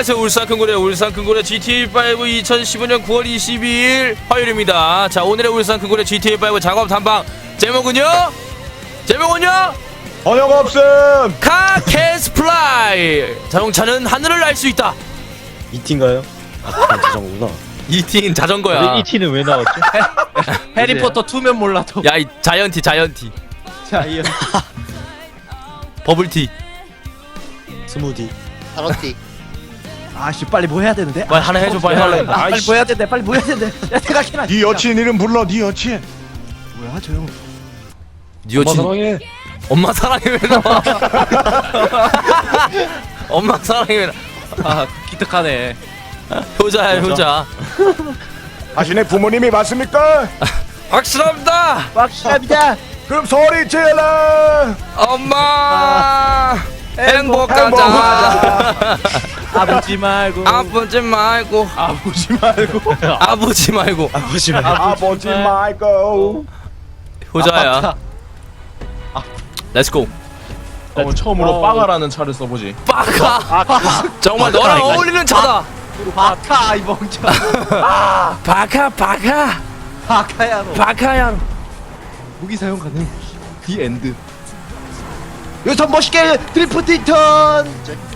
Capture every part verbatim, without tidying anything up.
안녕하세요. 울산 큰고래 울산 큰고래 지티에이 오 이천십오년 구월 이십이일 화요일입니다. 자, 오늘의 울산 큰고래 지티에이 오 작업 탐방 제목은요? 제목은요? 번역 없음. 카 캐스플라이. 자동차는 하늘을 날 수 있다. 이티인가요? 아, 자전거구나. 이티는 자전거야. 이티는 왜 나왔죠? 해리포터 투면 몰라도. 야, 이 자이언티 자이언티 자이언. 버블티. 스무디. 타로티. 아씨 빨리 뭐 해야 되는데? 빨리 하나 해줘, 빨리 하나 해줘. 아, 빨리 뭐 해야 되는데? 빨리 뭐 해야 되는데? 야 생각해라. 네 여친 이름 불러. 네 여친. 뭐야 저 형? 니 여친 사랑해. 엄마 사랑해 왜 나와? 엄마 사랑해 왜 나와? 아 기특하네. 효자야 효자. 자신의 부모님이 맞습니까? 확실합니다. 확실합니다. 그럼 소리 질러. 엄마 행복하자. 행복하자. 아버지 말고. 아프지 말고 아버지 말고. 아프지 말고 아버지 말고. 아버지 말고. 효자야. 렛츠고. 어, 처음으로 빠가라는 차를 써보지. 빠카. 정말 너랑 어울리는 차다. 바카 이 멍청. 바카 바카 바카야로. 바카야. 무기 사용 가능. 디 엔드. 여기서 멋있게 드리프트 인턴.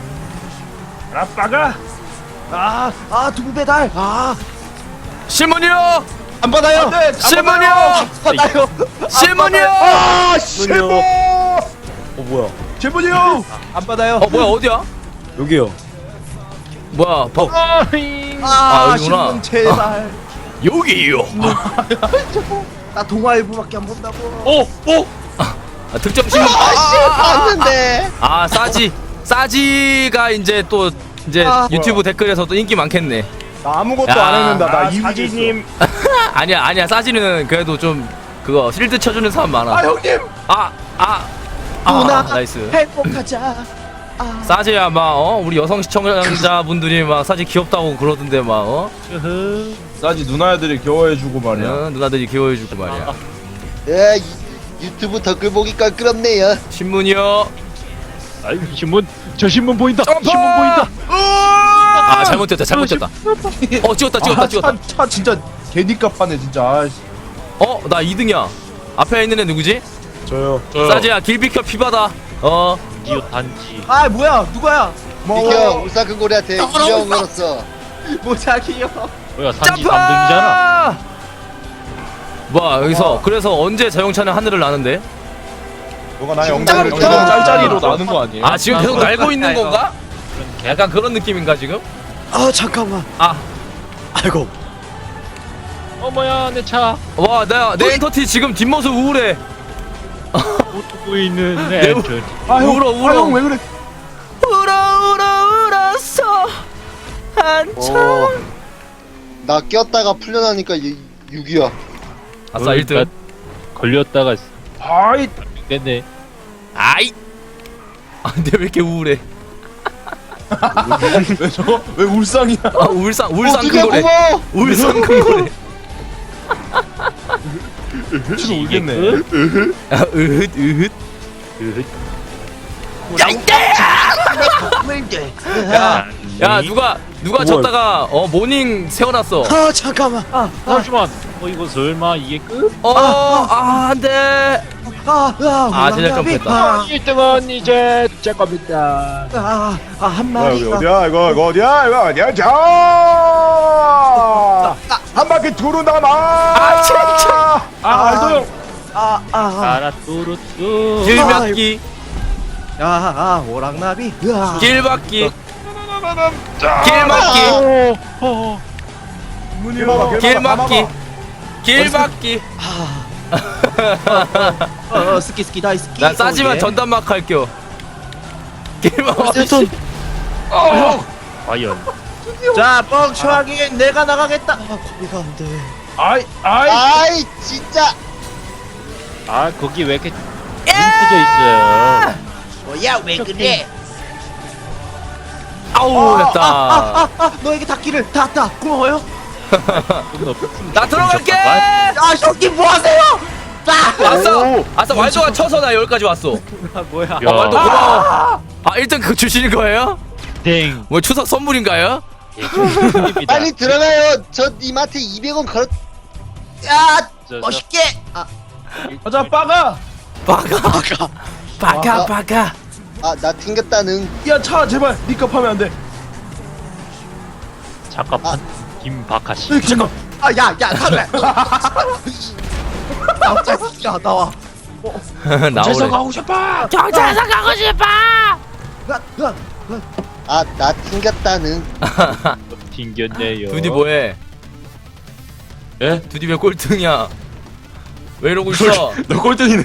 아빠가. 아아 두부 배달. 아안 신문이요. 받아요. 신문이요. 받아요. 신문이요. 아, 실무. 어 뭐야? 제보니요. 안 받아요. 어 뭐야 어디야? 여기요. 뭐야 버 아, 아, 여기구나. 신문 제발. 여기요. 나 동아일보밖에 안 본다고. 오! 오! 아, 득점 신문. 봤는데. 아 싸지 싸지가 이제 또 이제 아. 유튜브 댓글에서 또 인기 많겠네. 나 아무것도 야. 안 했는데 나 아, 이우진님. 아니야 아니야 싸지는 그래도 좀 그거 실드 쳐주는 사람 많아. 아 형님. 아 아 아, 누나 나이스. 행복하자. 아. 싸지야 막 어 우리 여성 시청자분들이 막 싸지 귀엽다고 그러던데 막 어 싸지 누나애들이 귀여워해주고 말이야. 어, 누나들이 귀여워해주고 말이야. 예, 이- 유튜브 댓글 보기 껄끄럽네요. 신문이요. 아이 신문 저 신문 보인다. 점프! 신문 보인다. 아 잘못됐다 잘못됐다. 어 찍었다 찍었다 아, 찍었다. 차, 차 진짜 개니값하네 진짜. 아이씨. 어 나 이 등이야. 앞에 있는 애 누구지? 저요. 싸지야 길 비켜 피바다. 어 디오 단지. 아 뭐야 누구야? 비켜, 울산 큰고래한테 이병 걸었어. 모자기요. 뭐야 점프! 뭐야 여기서 그래서 언제 자동차는 하늘을 나는데? 너가 나의 지금 엉덩이를 점프! 찔러. 짤짤이로 나는 거 아니에요? 아 지금 계속 날고 있는 이거. 건가? 약간 그런 느낌인가 지금? 아 잠깐만. 아 아이고. 어머야 내 차. 와, 나, 내 엔터티 지금 뒷모습 우울해. 보고 있는 내 우- 애들. 울어, 울어. 아, 형 왜 그래? 울어, 울어, 울었어. 한참. 어. 나 꼈다가 풀려나니까 육이야. 아싸, 일 등. 걸렸다가 아이. 됐네. 아이. 아, 근데 왜 이렇게 우울해? 왜 저거? 왜 울상이야? 아, 울산, 울산 어떻게 큰 거래. 고마워. 울산 큰 거래. 지금 울겠네. 아, 으흣, 으흣. 야, 야, 누가, 누가 졌다가, 어, 모닝 세워놨어. 아 잠깐만. 아 잠시만. 어 이거 설마 이게 끝? 어, 아, 안 돼. 아, 아, 아, 제작 점프했다. 아, 일 등은 이제 제 겁니다. 아, 아, 한 야, 여기 마리가. 어디야? 이거 이거 어디야? 이거 어디야? 자. 한 바퀴 두른다 마. 아, 진짜. 아 알도 형. 아, 아, 아. 아라뚜루뚜. 길막기, 야, 아, 오랑나비. 으아. 길막기, 길막기, 어, 어. 길막기, 길막기. 어, 어, 스키 스키 다이 스키. 난 싸지만 어, 예. 전담막 할게요. 길막기. 세톤. 과연. 자, 뻥쳐하기 내가 나가겠다. 아, 거기가 안 돼. 아이 아이. 아이, 진짜. 아 거기 왜 이렇게 뭉쳐져 있어요? 뭐야, 왜 그래? 아우 됐다. 아, 아, 너에게 닿기를 닿았다. 고마워요. 나 들어갈게. 아, 형님 뭐 하세요? 아, 아싸, 아싸 왈도가 쳐서 나 여기까지 왔어. 아, 뭐야? 아, 왈도 고마워. 아 일 등 그 주시는 거예요? 땡. 뭐 추석 선물인가요? 예, 축하드립니다. 빨리 들어가요. 저 님한테 이백 원 걸었. 야 저, 저, 멋있게. 아 가자 빠가. 빠가 빠가 빠가. 아, 나 튕겼다는. 야 차 제발 니값 하면 안 돼. 잠깐만. 김박하 씨. 으이, 잠깐. 아야야 탈래. 나오자 야 나와. 나오래. 가고 싶어. 경찰서 가고 싶어. 으아, 으아. 아, 나 튕겼다는. 튕겼네요. 두디 뭐해? 예? 두디 왜 꼴등이야? 왜 이러고 있어? 너 꼴등이네.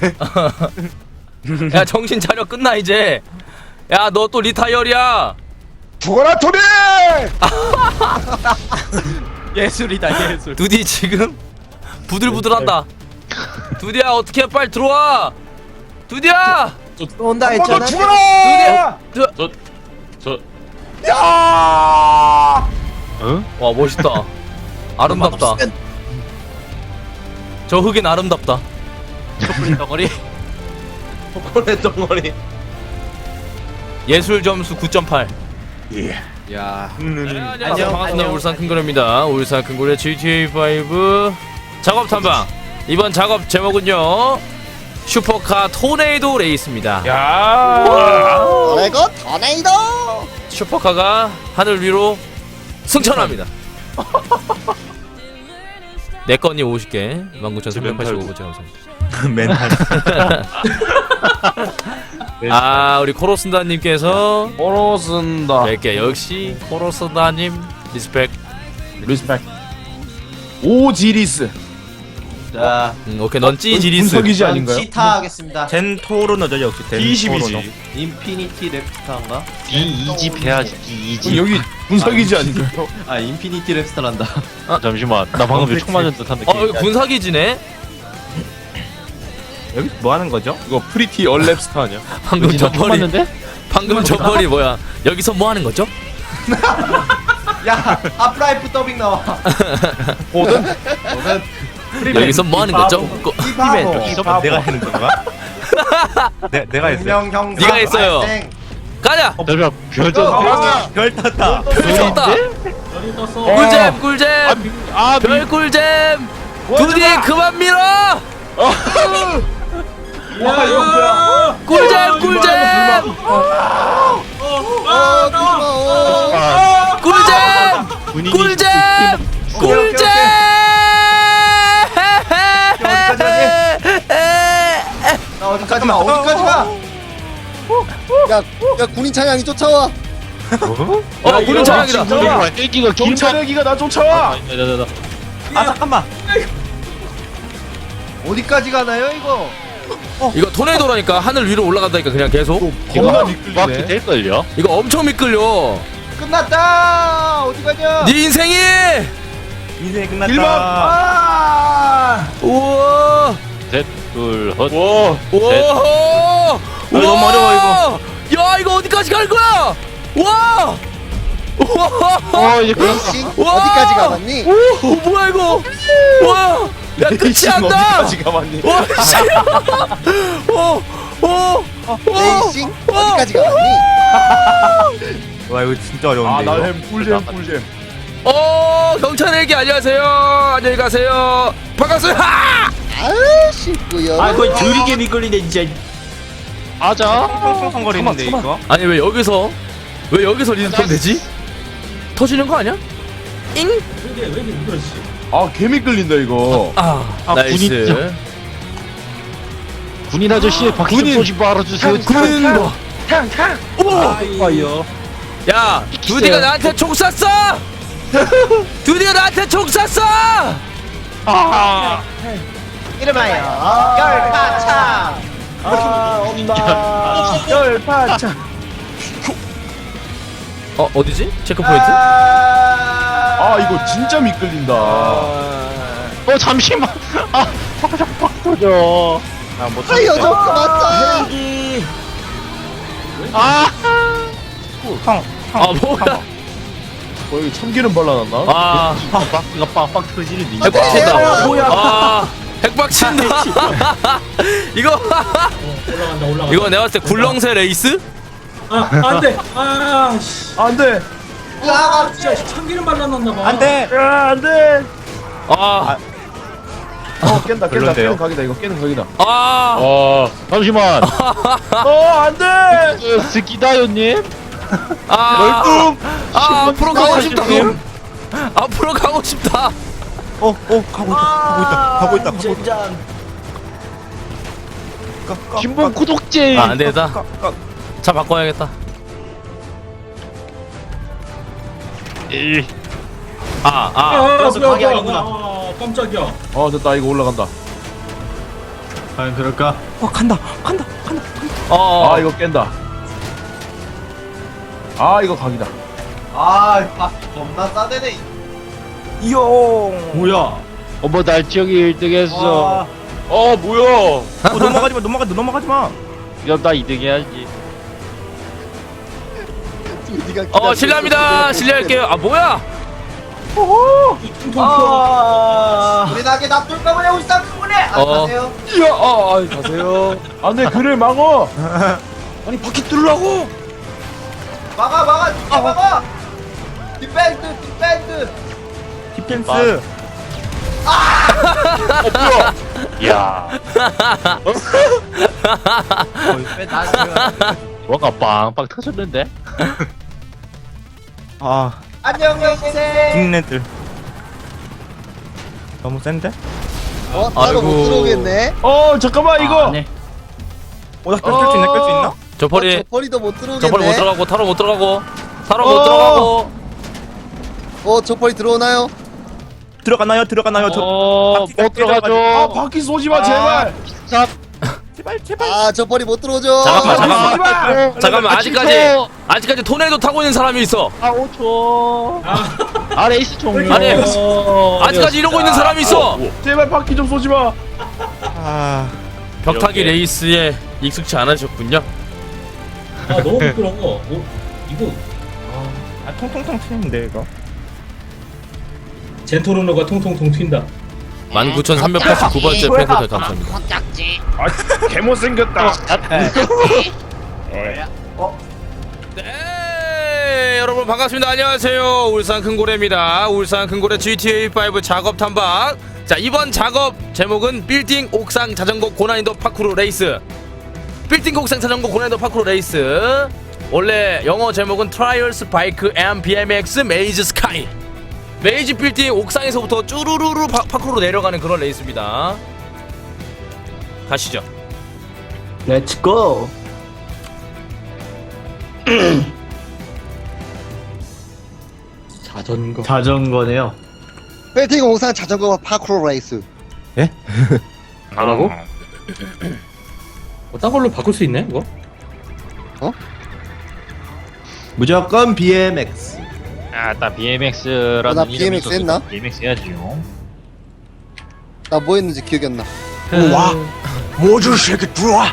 야 정신 차려 끝나 이제. 야 너 또 리타이어리야. 죽어라 토니. 예술이다 예술. 두디 지금 부들부들한다. 두디야 어떻게 빨리 들어와. 두디야. 온다 한번 더 했잖아. 죽어라. 두디야. 저, 야. 응? 와 멋있다. 아름답다. 저 흑인 아름답다. 초콜릿 덩어리. 초콜릿 덩어리. 예술 점수 구 점 팔. 예. 야. 안녕 안녕, 반갑습니다. 안녕. 울산 큰고래입니다. 울산 큰고래 지티에이 파이브 작업 탐방. 이번 작업 제목은요 슈퍼카 토네이도 레이스입니다. 야. 레고 토네이도. 슈퍼카가 하늘 위로 승천합니다. 내 건이 오십 개, 만 구천 삼백팔십오 번 감사합니다. 멘탈. 아 우리 코로슨다님께서 오로 쓴다. 백 개 역시 코로슨다님 리스펙. 리스펙. 오지리스. 자. 음, 오케이 넌 찌지리스. 분석이지 아닌가요? 시타 하겠습니다. 젠토르너죠 역시 이십이지. 인피니티 랩스타인가? 디 이집 해야지. 디 이집. 여기 분석이지 아닌가요? 아 인피니티 랩스타란다. 아, 잠시만. 나 방금 총 맞은 듯한 느낌. 어 여기 군사기지네. 여기 뭐 하는 거죠? 이거 프리티 얼랩스타 아니야? 방금 총 저번이 맞는데? 방금 저번이 뭐야? 여기서 뭐 하는 거죠? 야 하프라이프 더빙 나와. 보든. 여기서 뭐 하는 거죠? 거- 바보. 여기서 내가 하는 건가? 내, 내가 했어요. 형 네가 했어요. 가자. 잠시만. 별전. 어, 별 탔다. 쳤다. 어. 꿀잼 꿀잼. 아, 미, 별 꿀잼. 두디 그만 밀어. 와 이거 뭐야? 꿀잼 꿀잼. 어, 고마워. 꿀잼 분위기 꿀잼 오케이, 오케이, 꿀잼. 나 어디까지 가? 어디까지 가? 야, 야, 군인 차량이 쫓아와. 어 군인 차량이다. 분위기가 땡기가 김차. 경찰애기가 나 쫓아와. 나나나. 아 잠깐만. 어디까지 가나요 이거? 이거 토네이도라니까 하늘 위로 올라간다니까 그냥 계속. 겁나 바퀴 미끌리네. 될 걸요? 이거 엄청 미끌려. 끝났다. 어디 가냐? 네 인생이. 인생이 끝났다. 일박. 아. 우와. 셋, 둘, 헛. 와. 우와. 너무 어려워, 이거. 야 이거 어디까지 갈 거야? 와. 우와. 어, 이제 끝났다. 레이싱 와. 어디까지 가봤니? 오 뭐야 이거? 와. 야 끝이 레이싱 안 나. 어디까지 가봤니? 와 씨. 오. 오. 레이싱 어디까지 가봤니? 와 이거 진짜 어려운데. 아, 이거. 나햄 꿀잼 꿀잼. 어 경찰에게 안녕하세요. 안녕히 가세요. 반갑습니다. 하! 아유, 쉽고요. 아 거의 드리게 미끌리네 진짜. 아자. 펑펑거리는데 이거. 아니 왜 여기서 왜 여기서 리스폰 되지? 터지는 거 아니야? 잉? 아, 개미 끌린다 이거. 아, 아, 나이스. 군인 군인 아저씨 바퀴 좀 군인. 쏘지 말아주세요. 군인 뭐? 오! 아이요. 야, 두디가 나한테 총 쐈어! 두디가 나한테 총 쐈어! 아, 이름하여 열파차. 아, 엄마. 열파차. 어, 어디지? 체크 포인트? 아, 이거 진짜 미끌린다. 어 잠시만. 아, 자꾸 자꾸 빡 터져. 아못 살려줘, 맞다. 아, 아, 뭐야? 뭐 여기 참기름 발라놨나? 아, 바퀴가 빡빡 터지는데. 핵박친다. 아, 핵박친다. 이거, 이거 내가 봤을 때 굴렁쇠 레이스? 아, 안 돼. 아, 씨. 안 돼. 야, 진짜 참기름 발라놨나 봐. 안 돼. 야, 안 돼. 아, 어, 깬다, 깬다. 별론데요? 깨는 각이다. 이거 깨는 각이다. 아, 어 잠시만. 어, 안 돼. 그 스키다요님. 아, 열두. 아, 앞으로 가고 싶다. 님. 앞으로 가고 싶다. 어, 어, 가고 있다. 가고 있다. 가고 있다. 가고 있다. 젠장. 까, 까, 신분 까, 구독제. 아, 안 되겠다. 까, 까. 차 바꿔야겠다. 이. 아, 아, 아, 뭐야, 그래서 뭐야, 가게 뭐야. 아니구나. 아, 깜짝이야. 어, 됐다. 이거 올라간다. 과연 그럴까? 어, 간다. 간다. 간다. 어, 아, 이거 깬다. 아, 이거 각이다. 아, 아, 겁나 싸대네. 뭐야? 어머 날지영이 일 등 했어. 어, 뭐야? 어, 넘어가지 마. 넘어가. 넘어가지 마. 이러면 나 이 등 해야지. 어, 실례합니다. 실례할게요. 아, 뭐야? 퉁퉁 튀어. 아, 우리 나게 놔둘까 보냐, 울산 그분에. 아, 어. 가세요. 이야, 아, 아, 가세요. 안 돼, 그를 막어. 아니, 바퀴 뚫으라고. 막아, 막아, 진짜 막아. 뒷밴드, 뒷밴드. 디펜스. 야. 뭔가 빵빵 터졌는데? 아, 안녕, 형생. 빅네들. 너무 센데? 어, 따로 못 아이고. 들어오겠네. 어, 잠깐만, 이거. 네. 어, 나 끌 수 있나? 끌 수 있나? 저 펄이, 어, 저 벌이도 못 들어오겠네. 저 펄이 못 들어가고, 타로 못 들어가고, 타로 못 어. 들어가고. 어, 저 벌이 들어오나요? 들어가나요? 들어가나요? 저 어, 바퀴가 못 들어가죠. 아, 바퀴 쏘지 마, 제발. 자, 제발 제발. 아, 저 벌이 못 들어오죠. 잠깐만, 아, 잠깐만. 제발. 잠깐만, 아, 아직까지, 칠 아직까지 토네이도 타고 있는 사람이 있어. 아, 오 초. 아, 레이스 종료. 아니, 아직까지 이러고 있는 사람이 있어. 제발 바퀴 좀 쏘지 마. 아, 벽타기 이렇게. 레이스에 익숙치 않으셨군요. 아, 너무 부끄러워. 뭐, 이거 아 통통통 튀는데 이거. 젠토르노가 통통통 튄다. 만 구천삼백팔십구 번째 팬코드 감사합니다. 아, 개못생겼다. 네, 여러분 반갑습니다. 안녕하세요. 울산 큰고래입니다. 울산 큰고래 지티에이 오 작업 탐방. 자, 이번 작업 제목은 빌딩 옥상 자전거 고난이도 파쿠르 레이스. 빌딩 옥상 자전거 고난이도 파쿠르 레이스. 원래 영어 제목은 트라이얼스 바이크 앤 비엠엑스 메이즈 스카이. 메이지 빌딩 옥상에서부터 쭈루루루 파, 파쿠르로 내려가는 그런 레이스입니다. 가시죠. Let's go. 자전거. 자전거네요. 빌딩 옥상 자전거 파크로 레이스. 뭐라고? 어, 딴 걸로 바꿀 수 있네, 이거? 무조건 비엠엑스. 아, 나 비엠엑스라는 어, 나 비엠엑스 했나? 비엠엑스 해야지요. 나 뭐 했는지 기억이 안 나. 와, 모두 새끼 들어와.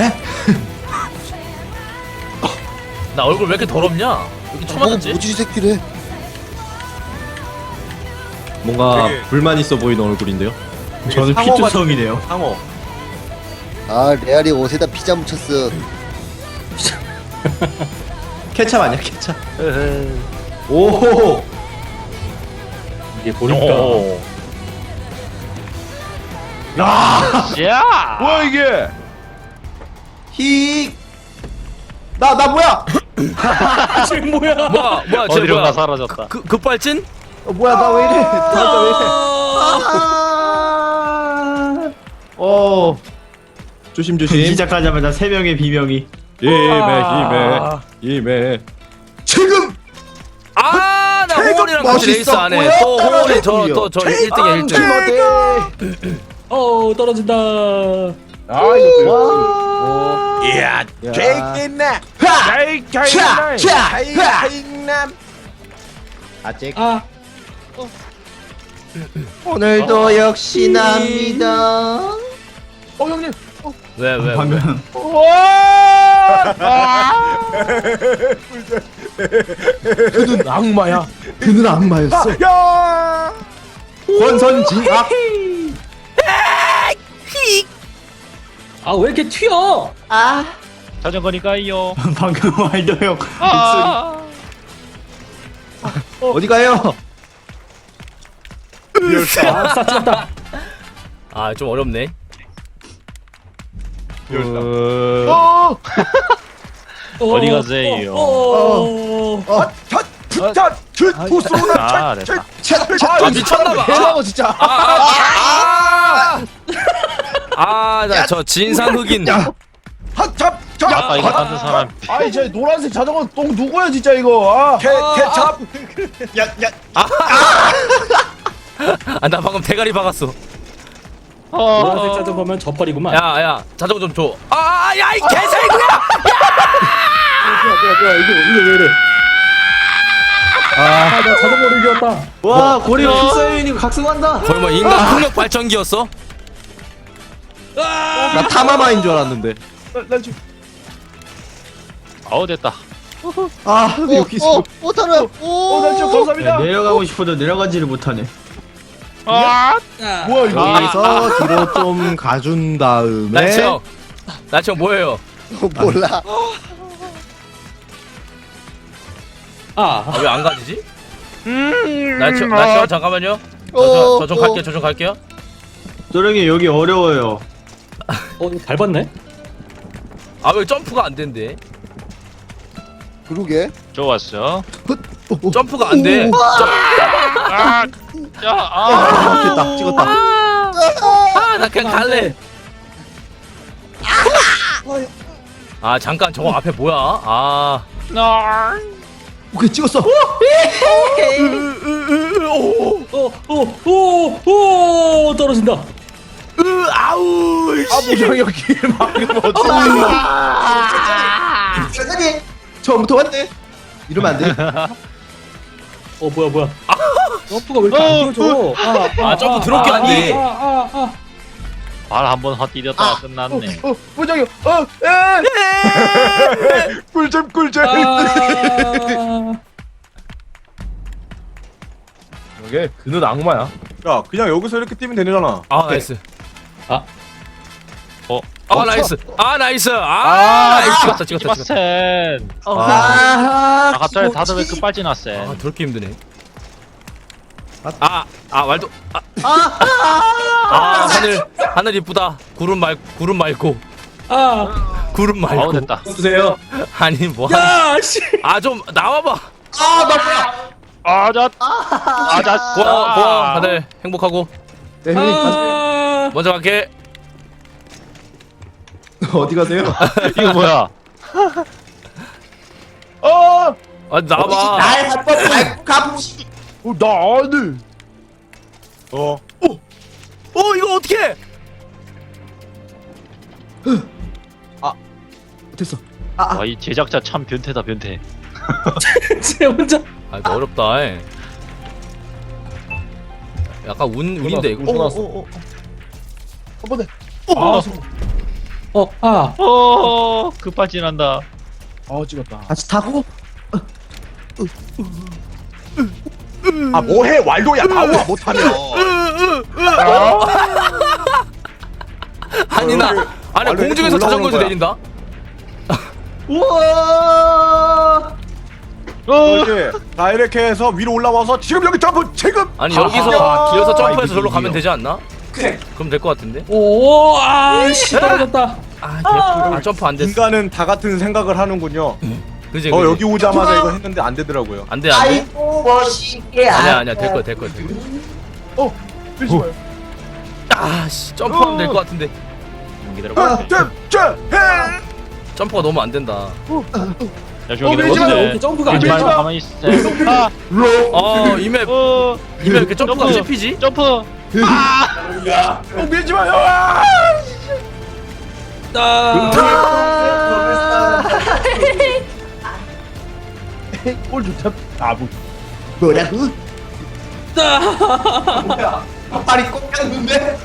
나 얼굴 왜 이렇게 더럽냐? 이렇게 초 뭐, 맞았지? 뭐지 이 새끼래. 뭔가 되게- 불만 있어 보이는 얼굴인데요. 저는 상어가- 피투성이네요. 상어. 아, 레알이 옷에다 피자 묻혔어. 케찹 아니야, 케찹. 오. 이게 보니까. 오. 야, 야! 뭐야 이게? 히. 나, 나 뭐야? 지금 뭐야? 뭐야 뭐야 쟤 어디론가 뭐야? 사라졌다. 그 급발진? 어, 뭐야, 나 왜 이래? 나도 왜 이래? 아~ 어. 조심 조심. 시작하자마자 세 명의 비명이. 힘에 힘에 힘에. 지금 아, 나 호원이랑 같이 레이스 안 해. 또 호원이 저또저 일 등이야 일 등. 어, 떨어진다. 아 이거 이야, 제이나. 자이 자이 자이 아직. 아, 오늘도 역시 납니다. 어 형님. 왜 왜? 왜? 방금 그는 악마야. 그는 악마였어. 야. 권선징악. 아, 왜 이렇게 튀어? 자, 자전거니까요. 방금 말도 형 아, 어디 가요? 아, 쌌다. 아 좀 어렵네. 어, 어디 가세요? 어, 어, 아, 자, 자, 자, 투소나, 아, 됐다. 아 미쳤나봐. 해라고 진짜. 아나 저 진상 흑인. 하, 잡, 잡. 아까 이거 만든 사람. 아이, 저 노란색 자전거 똥 누구야 진짜 이거? 아, 개, 개, 잡. 아 나 방금 대가리 박았어. 노란색 자전거면 저펄이구만. 야야 자전거 좀 줘. 아야 이 개새끼야. 뭐야, 뭐야, 뭐야, 이거, 이거 왜 이래? 아, 나 자전거를 잃었다. 와 고리 필사유인이고 각성한다. 거의 뭐 인간 풍력 발전기였어? 나 타마마인 줄 알았는데. 난 지금 아우 됐다. 아 어, 여기 있어. 어, 못하네. 어, 난 지금 감사합니다. 내려가고 싶어도 내려가지를 못하네. 아, 뭐야 이거? 여기서 뒤로 좀 가준 다음에. 나치형 나치형 뭐예요? 몰라. 아, 아, 왜 안 가지지? 나치형 나치형 잠깐만요. 어, 저 좀 어. 갈게요. 저 좀 갈게요. 조령이 여기 어려워요. 어, 이거 밟았네? 아 왜 점프가 안 된대? 그러게. 좋았어. 점프가 안 돼. 아, 자, 아, 아, 됐다 찍었다. 아 나 그냥 갈래. 아 잠깐 저거 앞에 뭐야? 아. 나. 오케이 찍었어. 어, 어, 오, 오, 떨어진다. 으 아우. 아, 뭐야 여기 방금 어떻게? 세상에 처음부터 왔네. 이러면 안 돼. 어, 뭐야, 뭐야. 점프가 왜 이렇게 안 뛰어져? 아, 아, 점프 더럽게 안 돼. 아, 아, 아. 발 한 번 헛디뎠다가 끝났네. 어, 부장님, 어, 에, 꿀잼, 꿀잼. 아. 이게 그는 악마야. 야, 그냥 여기서 이렇게 뛰면 되잖아. 아 나이스. 아. 어. 아 나이스. 아 나이스. 아, 아, 나이스. 찍었다 찍었다 찍었다. 이마센. 아, 아, 아, 갑자기 다들 왜 끝발진 났어? 아 더럽게 힘드네. 아, 아 말도. 아, 아 하늘 하늘 이쁘다. 구름 말 구름 맑고. 아, 구름 아우 맑고. 됐다. 주세요. 아니 뭐. 야, 씨. 아 좀 나와봐. 아자, 아자. 고마워 고마워. 다들 행복하고. 네, 형님 아, 먼저 갈게. 가세요. 어디 가세요? 이거 뭐야? 어, 아 나와봐. 날 한번 밟고 가보시. 어, 나 아들. 어, 어 이거 어떻게? 됐어. 와, 이 제작자 참 변태다 변태. 쟤 혼자. 아 이거 어렵다. 에. 약간 운 운인데 이거. 어, 어, 어. 한 번에. 아, 어, 아. 어, 끝발진 난다. 아, 찍었다. 같이 타고. 아, 뭐해, 왈도야, 나와 못하면. 아니 나 아니 원래 공중에서 이렇게 자전거에서 올라오는 내린다. 우와. 이렇게 다 이렇게 해서 위로 올라와서 지금 여기 점프 지금. 아니 아, 여기서 아, 길어서 점프해서 아, 절로 가면 이거. 되지 않나? 그럼 될 것 같은데. 오, 아, 씨, 떨어졌다. 아, 개뿔. 아 점프 안 됐어. 인간은 다 같은 생각을 하는군요. 그지 저 그지. 여기 오자마자 이거 했는데 안 되더라고요. 안돼 안돼. 아이고 멋있게. 아니야 아니야 될 거야 될 거야 될 거야. 어, 밀지 마요. 아씨 점프하면 될 것 같은데. 기다려봐. 아, 점, 점, 해. 점프가 너무 안 된다. 야, 저기 밀지 마, 왜 기다려봐. 이렇게 점프가 안 밀지 말고 되죠? 가만히 있어. 아, 어 이맵 어, 이맵 이렇게 점프가 점프. 씹히지? 점프. 어, 밀지 마요. 아! 꼴 좋다. 아, 뭐. 뭐라고? 발이 꼭 깠는데?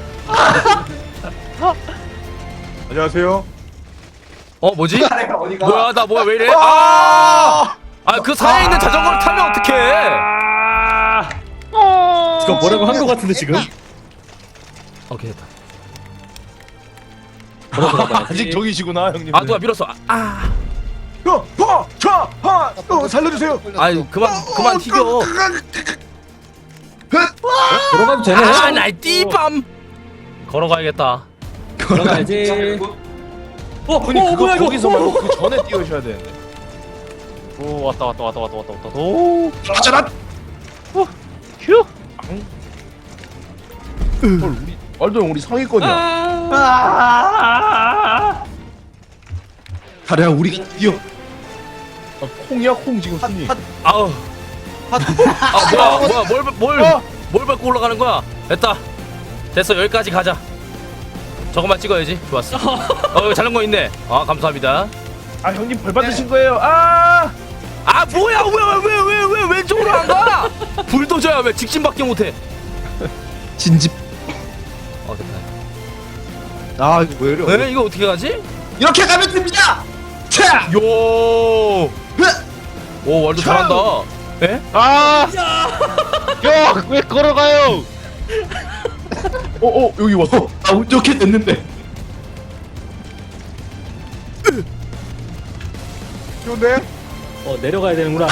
안녕하세요. 어 뭐지? 어디가? 뭐야 나 뭐야 왜 이래? 아! 아그 사이에 있는 자전거를 타면 어떡해? 이거 뭐라고 한 거 같은데 지금? 오케이 됐다. 걸어서 가봐야지. 아직 저기시구나 형님. 아 누가 밀었어. 아, 어, 어, 자, 하, 어, 살려주세요. 아유 그만 그만 튀겨. 걸어가도 되네. 아, 날 띠밤. 걸어가야겠다. 걸어가야지. 어, 아니 어, 그거 뭐야 이거? 거기서 말고 그 전에 뛰어셔야 되는데. 오 왔다 왔다 왔다 왔다 왔다 왔다. 오. 가자라. 휴. 헐 우리 말도 형 우리 상위권이야. 아. 가랴 우리가 뛰어. 아, 콩이야 콩 지금 순위. 아우. 아 뭐야 뭐야 뭘뭘뭘 뭘 밟고 올라가는 거야? 됐다. 됐어 여기까지 가자. 저것만 찍어야지. 좋았어. 어 여기 자전거 있네. 아 감사합니다. 아 형님 벌 받으신 거예요. 아. 아 뭐야 왜 왜 왜 왜 왼쪽으로 안 가? 불도저야 왜 직진밖에 못해? 진집. 어 됐다. 아 이거 왜 이래? 에 이거 어떻게 가지? 이렇게 가면 됩니다. 차. 요. 오 월드 잘한다. 에? 아. 야왜 걸어가요? 어, 어 여기 왔어. 아 이렇게 됐는데. 좋네. 어, 내려가야 되는구나.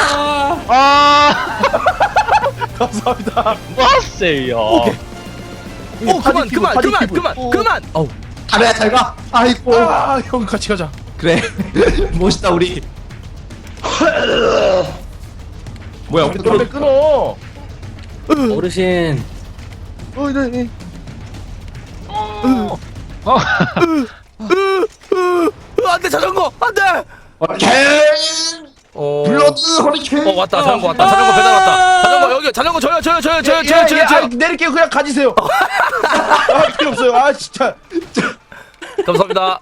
아. 감사합니다. 왔어요. 오 그만 파티 그만 피부, 그만 파티 그만 피부. 그만. 어우. 가랴 잘 가. 아이고. 아, 형 같이 가자. 그래. 멋있다 우리. 뭐야 우리 노래 끊어. 어르신. 어, 네, 네. 안돼 자전거 안돼. 허리케인. 어. 블러드 허리케인. 어 왔다 자전거 왔다 자전거 배달 왔다. 자전거 여기 자전거 저요 저요 저요 저요 저요 저요 아, 저요. 내릴게요. 그냥 가지세요. 아, 필요 없어요. 아, 진짜. 감사합니다.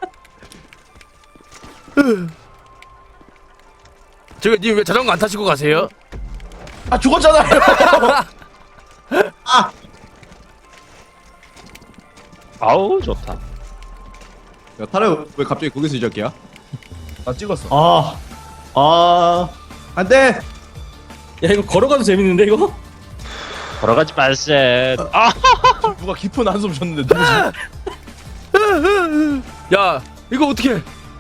저기 님 왜 자전거 안 타시고 가세요? 아, 죽었잖아요. 아우 좋다. 야 타라 왜 갑자기 거기서 시작이야? 나 찍었어. 아. 아. 안돼. 야, 이거 걸어가도 재밌는데 이거? 걸어가지 말세. 아. 누가 깊은 한숨 쉬었는데 누구지? 야 이거 어떻게?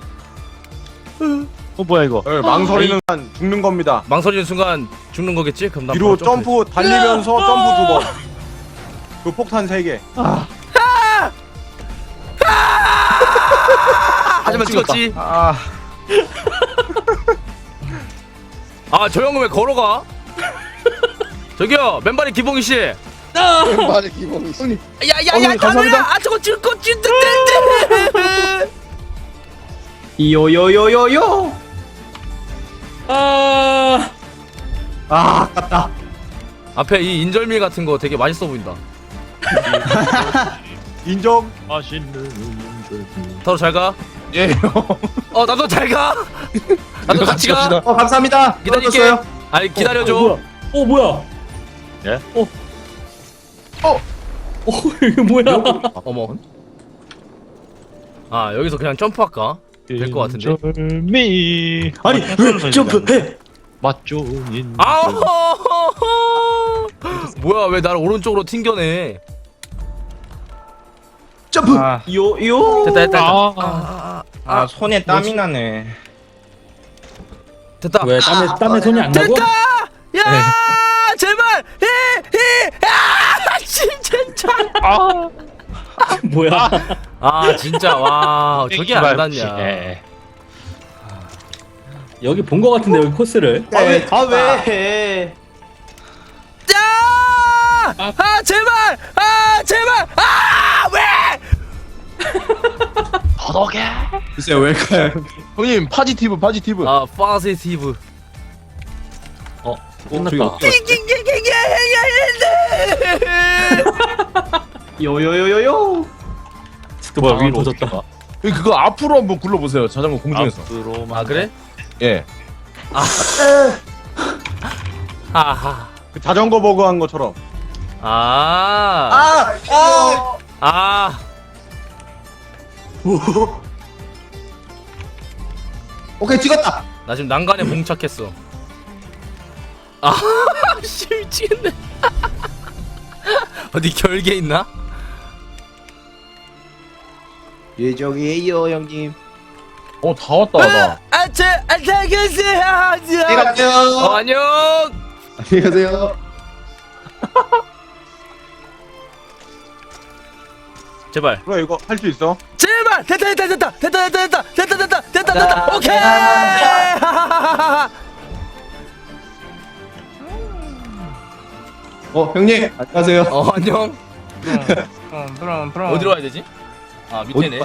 어 뭐야 이거? 네, 망설이는 한 죽는 겁니다. 망설이는 순간 죽는 거겠지? 그럼 나 뒤로 바로 점프. 점프 달리면서 점프 두 번. 그 폭탄 세 개. 하지만 찍었지. 아, 아 저 형은 왜 걸어가? 저기요 맨발의 기봉이 씨. 말의 기본이 있어. 야야야 어머니, 감사합니다. 아 저거 줄거 줄때 요요요요요. 아, 아 아깝다. 앞에 이 인절미 같은 거 되게 맛있어 보인다. 인정. 맛있는 더러 잘 가. 예, 형. 어 나도 잘 가. 나도 같이 가. 갑시다. 어 감사합니다. 기다릴게. 떨어졌어요. 아니 기다려줘. 어, 뭐야? 어, 뭐야? 예? 어. 어. 어, 이게 뭐야? 어머. 아 여기서 그냥 점프할까? 될 것 같은데. 인절미. 아니 왜 점프해? 맛좋은 아우. 뭐야 왜 나를 오른쪽으로 튕겨내? 점프. 아. 요요. 됐다 됐다 됐다. 아. 아, 아, 아, 아 손에 땀이 나네. 됐다. 왜 땀에 땀에 손이 안 나고? 됐다. 야 제발. 히히아 진짜. 아. 뭐야? 아 진짜 와 저게 안 닿냐. 예. 여기 본 거 같은데 여기 코스를. 아왜 아 왜 해? 야! 아 제발! 아 제발! 아 왜? 더덕에. 글쎄 왜 가요? 형님 파지티브 파지티브. 아 파시티브. 어, 저기 끝났다. 어떻게 요요요요요. 뭐야 위로 터졌다. 어떻게 가? 그거 앞으로 한번 굴러보세요. 자전거 공중에서. 앞으로만. 아 그래? 예. 아하. 그 자전거 버그 한 것처럼. 아. 아 아. 아. 오케이 찍었다. 나 지금 난간에 봉착했어. 아, 씨 미치겠네. 어디 결계 있나? 예정이에요 형님. 어, 다 왔다, 나. 아차 안녕하세요. 안녕히 가세요. 어, 안녕. 안녕히 가세요. 제발. 그래 이거 할 수 있어. 제발 됐다 됐다 됐다 됐다 됐다 됐다 됐다 됐다 됐다 오케이. 어 형님 안녕하세요. 어 안녕. 어디로 가야 되지? 아 밑에네.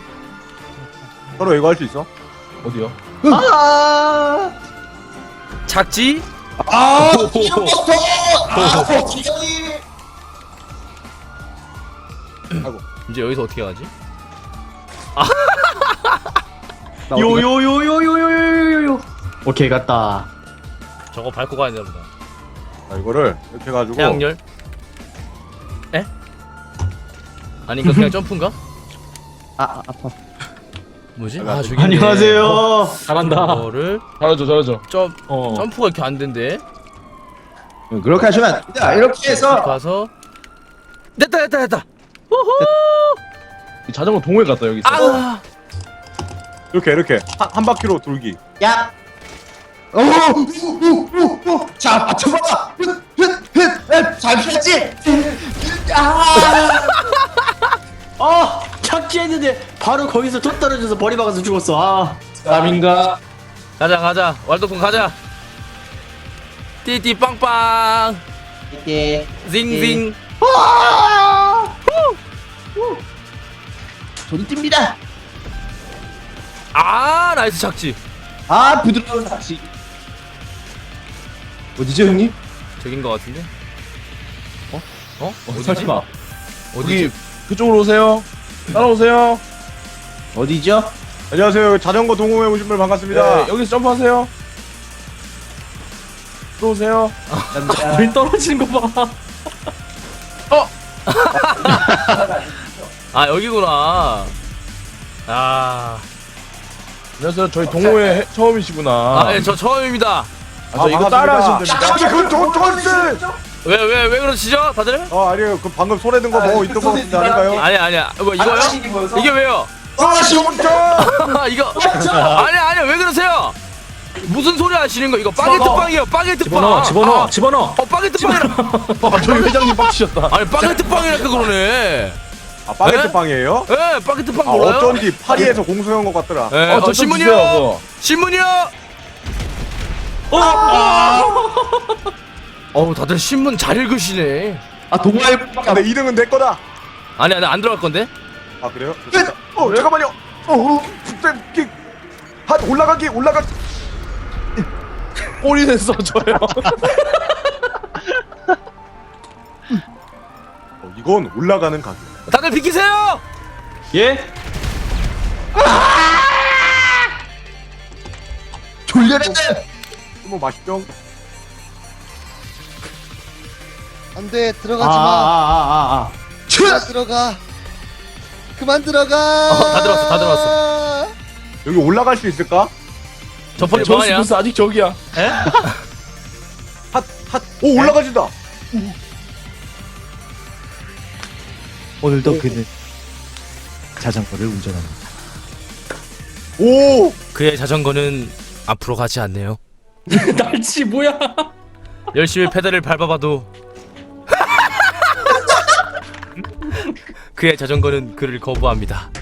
서로 이거 할 수 있어. 어디요? 아, 작지? 아, 오. 이름부터. 아, 기장님. 이제 여기서 어떻게 가지? 요요요요요요요요. 오케이 갔다. 저거 밟고 가야 되나 보다. 자, 이거를 이렇게 해가지고. 태양열? 에? 아닌가 그냥 점프인가? 아, 아 아파. 뭐지? 아 저기 안녕하세요. 잘한다. 이거를 잘하죠, 잘하죠. 점 어. 점프가 이렇게 안 된대. 그렇게 하시면 안 됩니다. 이렇게 해서 가서 됐다 됐다 됐다. 우후. 이 자전거 동호회 갔다, 여기 있어. 아. 이렇게 이렇게 한, 한 바퀴로 돌기. 야. 오, 오, 오, 오. 자, 맞춰봐. 잘 피했지? 아. 아 착지했는데 바로 거기서 툭 떨어져서 머리 박아서 죽었어. 아. 남인가? 가자 가자 왈도풍 가자. 띠띠 빵빵 이게 징징. 손 띱니다. 아 나이스 착지. 아, 부드러운 낚시. 어디죠, 형님? 저긴 거 같은데? 어? 어? 어디지? 설마. 어디지? 여기, 그쪽으로 오세요. 따라오세요. 어디죠? 안녕하세요. 자전거 동호회 오신 분 반갑습니다. 네, 여기서 점프하세요. 들어오세요. 물 떨어지는 거 봐. 아 여기구나. 아, 안녕하세요. 저희 동호회 해- 처음이시구나. 아, 예, 저 처음입니다. 아, 저 이거 따라 하시면 됩니다. 잠깐만 그건 저 저인데. 왜, 왜, 왜 그러시죠, 다들? 어 아니에요. 그 방금 손에 든 거 뭐 있던 거 같은데 아닌가요? 아니, 아니야. 뭐, 이거요? 이게 왜요? 아 시원자. 이거. 아니, 아니, 왜 그러세요? 무슨 소리 하시는 거? 이거 바게트 빵이에요, 바게트 빵. 집어넣어, 집어넣어, 아, 집어넣어. 어, 바게트 빵이라. 아, 저희 회장님 빡치셨다. 아니, 바게트 빵이라서 그러네. 아 바게트 에? 빵이에요? 예, 바게트 빵 아 몰라요? 어쩐지 파리에서 공수한 것 같더라. 예, 어, 어, 저 신문이요? 주세요, 그거. 신문이요? 어우, 다들 신문 잘 읽으시네. 아, 동아일 근데 이 등은 내 거다. 아니, 아니, 안 들어갈 건데? 아 그래요? 좋습니다. 어 잠깐만요. 어 갑자기 한 올라가기 올라가. 꼬리는 써줘요. 어, 이건 올라가는 가격. 다들 비키세요! 예? 졸려라. 뭐 맛있죠? 안돼 아, 들어가지 마. 아, 아, 아, 아. 그만 들어가. 그만 들어가. 어, 다 들어왔어, 다 들어왔어. 여기 올라갈 수 있을까? 저 펀치 저스 뭐하냐? 부스 아직 저기야. 오 올라가진다. 오늘도 그는 자전거를 운전합니다. 오 그의 자전거는 앞으로 가지 않네요. 날치 뭐야? 열심히 페달을 밟아봐도 그의 자전거는 그를 거부합니다.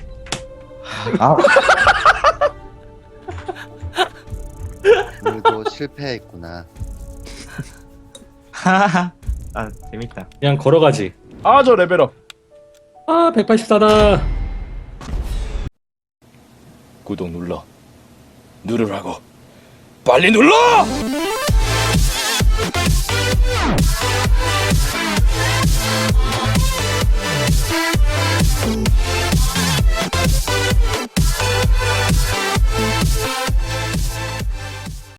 오늘도 실패했구나. 하하하. 아 재밌다. 그냥 걸어가지. 아, 저 레벨업. 아, 백팔십사다. 구독 눌러. 누르라고. 빨리 눌러!